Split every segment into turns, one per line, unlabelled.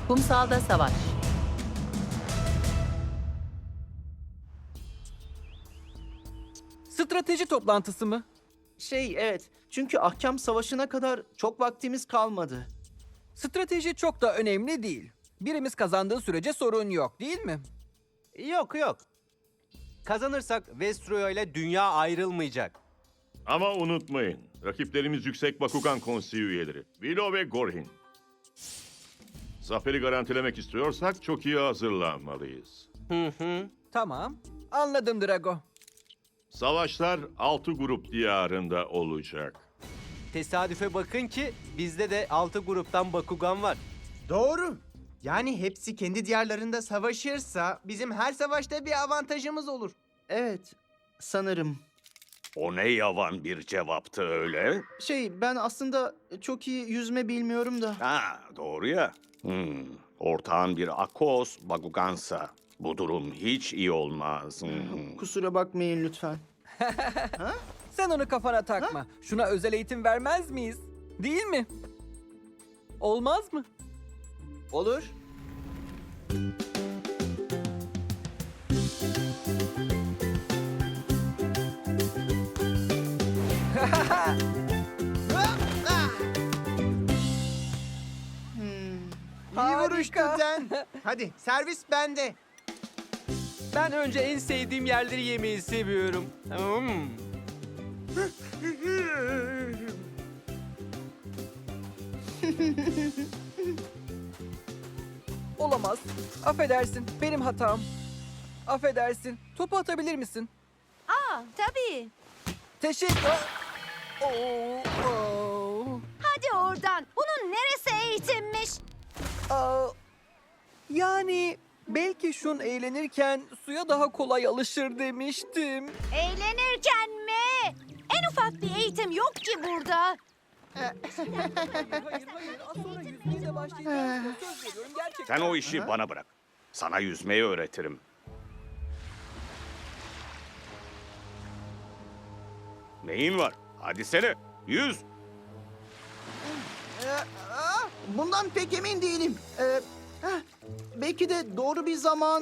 Kumsalda savaş.
Strateji toplantısı mı?
Evet. Çünkü ahkam savaşına kadar çok vaktimiz kalmadı.
Strateji çok da önemli değil. Birimiz kazandığı sürece sorun yok, değil mi?
Yok yok. Kazanırsak Vestroya ile dünya ayrılmayacak.
Ama unutmayın, rakiplerimiz Yüksek Bakugan Konseyi üyeleri. Willow ve Gorhin. Zaferi garantilemek istiyorsak çok iyi hazırlanmalıyız.
Tamam. Anladım Drago.
Savaşlar 6 grup diyarında olacak.
Tesadüfe bakın ki bizde de 6 gruptan Bakugan var.
Doğru. Yani hepsi kendi diyarlarında savaşırsa bizim her savaşta bir avantajımız olur.
Evet, sanırım.
O ne yavan bir cevaptı öyle?
Ben aslında çok iyi yüzme bilmiyorum da.
Ha, doğru ya. Ortağın bir Akos Bakugansa. Bu durum hiç iyi olmaz.
Kusura bakmayın lütfen.
Sen onu kafana takma. Şuna özel eğitim vermez miyiz? Değil mi? Olmaz mı?
Olur.
İyi vuruş
Harika.
Tuten. Hadi servis bende.
Ben önce en sevdiğim yerleri yemeyi seviyorum.
Olamaz. Affedersin. Benim hatam. Affedersin. Topu atabilir misin?
Tabii.
Teşekkür... Oo.
Hadi oradan. Bunun neresi eğitimmiş?
Aa, yani belki şun eğlenirken suya daha kolay alışır demiştim.
Eğlenirken mi? En ufak bir eğitim yok ki burada.
Hayır. Az sonra yüzmeye de başlayacağız. Söz veriyorum gerçekten.
Sen o işi bana bırak. Sana yüzmeyi öğretirim. Neyin var? Hadi sene. Yüz.
Bundan pek emin değilim. Belki de doğru bir zaman...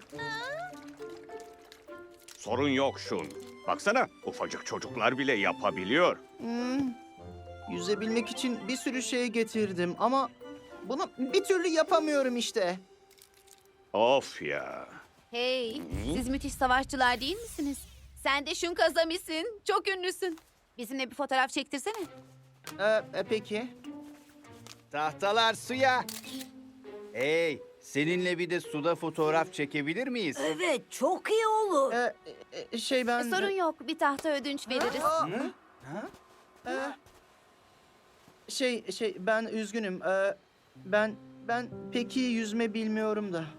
Sorun yok şun. Baksana ufacık çocuklar bile yapabiliyor.
Yüzebilmek için bir sürü şey getirdim ama bunu bir türlü yapamıyorum işte.
Of ya.
Hey, siz müthiş savaşçılar değil misiniz? Sen de Shun Kazami'sin. Çok ünlüsün. Bizimle bir fotoğraf çektirsene.
Peki.
Tahtalar suya. Hey, seninle bir de suda fotoğraf çekebilir miyiz?
Evet, çok iyi olur.
Ben...
Sorun yok. Bir tahta ödünç veririz.
Ben üzgünüm. Ben pek iyi yüzme bilmiyorum da.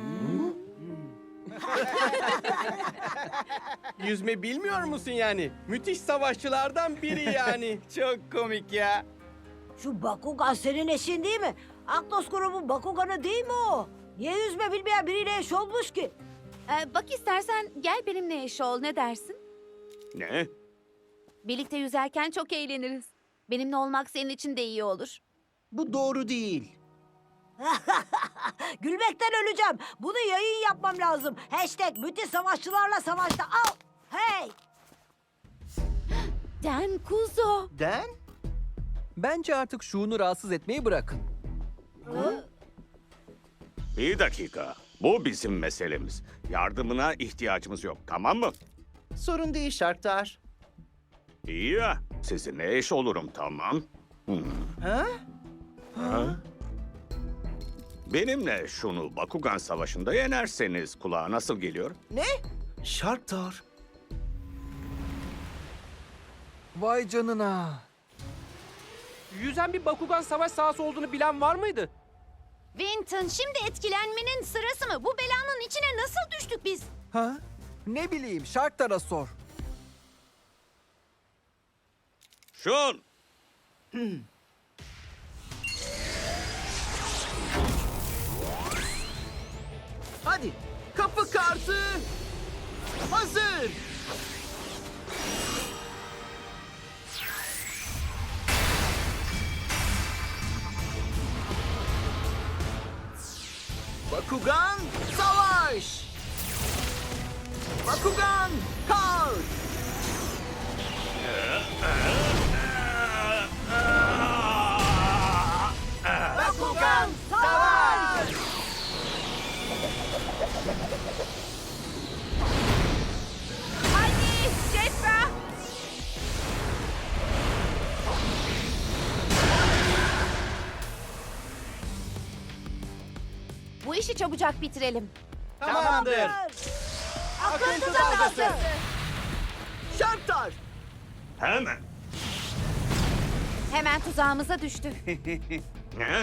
Yüzme bilmiyor musun yani? Müthiş savaşçılardan biri yani.
Çok komik ya.
Şu Bakugan senin eşin değil mi? Aklos grubun Bakugan'ı değil mi o? Niye yüzme bilmeyen biriyle eş olmuş ki?
Bak istersen gel benimle eş ol. Ne dersin?
Ne?
Birlikte yüzerken çok eğleniriz. Benimle olmak senin için de iyi olur.
Bu doğru değil.
Gülmekten öleceğim. Bunu yayın yapmam lazım. Hashtag müthiş savaşçılarla savaşta. Al. Hey.
Den Kuzo.
Den?
Bence artık şunu rahatsız etmeyi bırakın.
Bir dakika. Bu bizim meselemiz. Yardımına ihtiyacımız yok, tamam mı?
Sorun değil Şarktar.
İyi ya. Sizinle eş olurum, tamam. Benimle şunu Bakugan Savaşı'nda yenerseniz kulağa nasıl geliyor?
Ne? Şarktar.
Vay canına.
Yüzen bir Bakugan savaş sahası olduğunu bilen var mıydı?
Vinton, şimdi etkilenmenin sırası mı? Bu belanın içine nasıl düştük biz?
Ha? Ne bileyim, Sharktar'a sor.
Şun!
Hadi kapı kartı hazır. Bakugan savaş! Bakugan kalk!
Bakugan savaş!
Hadi Cetra. Bu işi çabucak bitirelim.
Tamamdır.
Akıntı dalgası!
Şartlar!
Hemen.
Hemen tuzağımıza düştü.
Ne?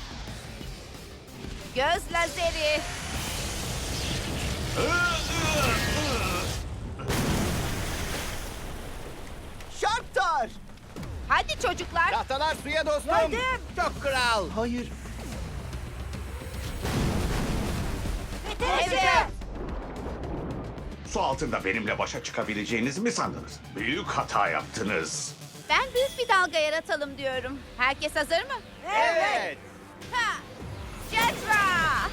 Göz lazeri.
Şartlar!
Hadi çocuklar.
Tahtalar suya dostum.
Geldim.
Çok kral.
Hayır.
Evet.
Su altında benimle başa çıkabileceğinizi mi sandınız? Büyük hata yaptınız.
Ben büyük bir dalga yaratalım diyorum. Herkes hazır mı?
Evet.
Ha! Cetra.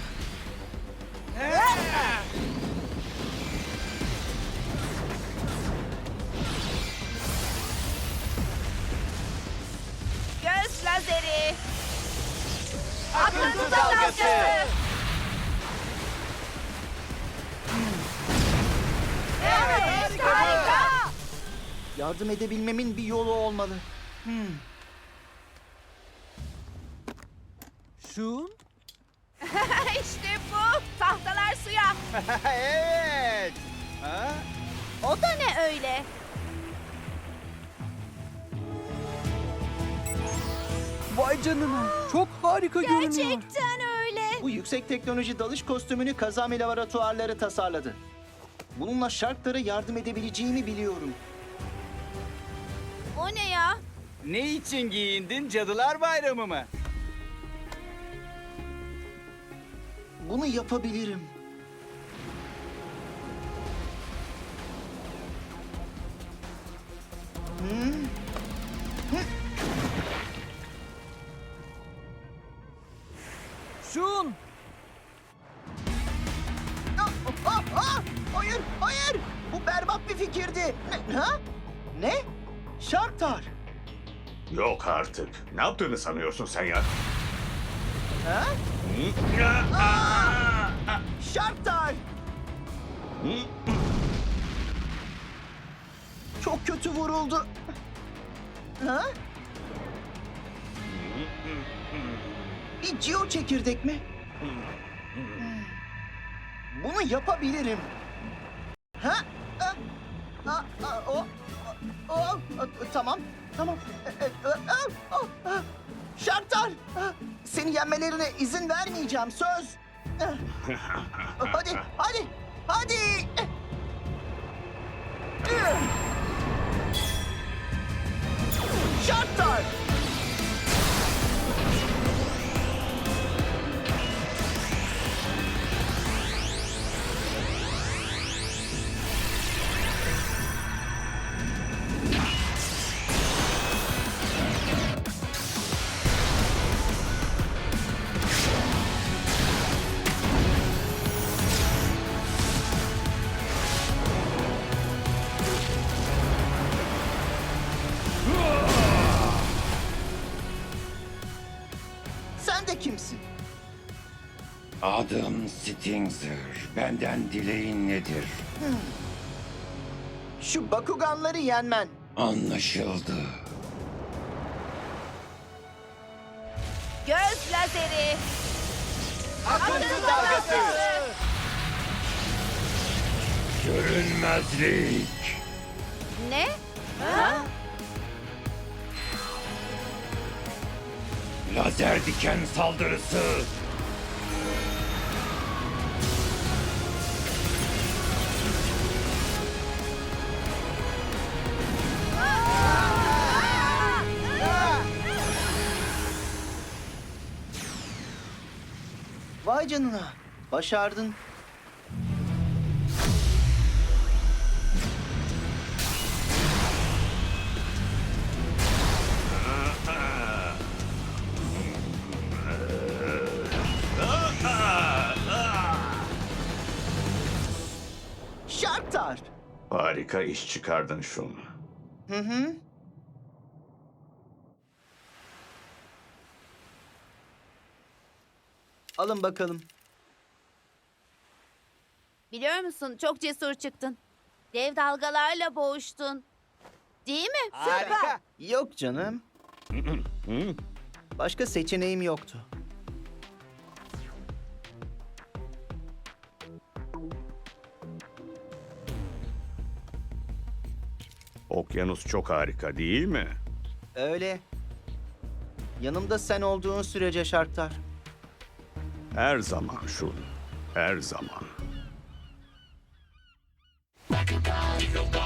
Göz lazeri. Akıntı dalgası. Evet, harika.
Yardım edebilmemin bir yolu olmalı.
Şun?
İşte bu. Tahtalar suya.
Evet. Ha?
O da ne öyle?
Vay canına. Çok harika görünüyor.
Gerçekten öyle.
Bu yüksek teknoloji dalış kostümünü Kazami laboratuvarları tasarladı. Bununla Shark'lara yardım edebileceğimi biliyorum.
O ne ya?
Ne için giyindin? Cadılar Bayramı mı?
Bunu yapabilirim.
Şun!
Hayır, hayır! Bu berbat bir fikirdi. Ha? Ne? Sharktar.
Yok artık. Ne yaptığını sanıyorsun sen ya?
Ha? Sharktar. Çok kötü vuruldu. Ha? Bir Geo çekirdek mi? Bunu yapabilirim. Ha? Tamam, tamam. Şartlar! Seni yenmelerine izin vermeyeceğim, söz. Hadi, hadi, hadi! Şartlar! Sen de kimsin?
Adım Stinger. Benden dileğin nedir?
Şu Bakuganları yenmen.
Anlaşıldı.
Göz lazeri.
Akıntı dalgası.
Görünmezlik.
Ne?
Lazer diken saldırısı.
Vay canına. Başardın.
Harika iş çıkardın Şun.
Alın bakalım.
Biliyor musun, çok cesur çıktın. Dev dalgalarla boğuştun. Değil mi?
Harika.
Yok canım. Başka seçeneğim yoktu.
Okyanus çok harika değil mi?
Öyle. Yanımda sen olduğun sürece Şarktar.
Her zaman Şun. Her zaman.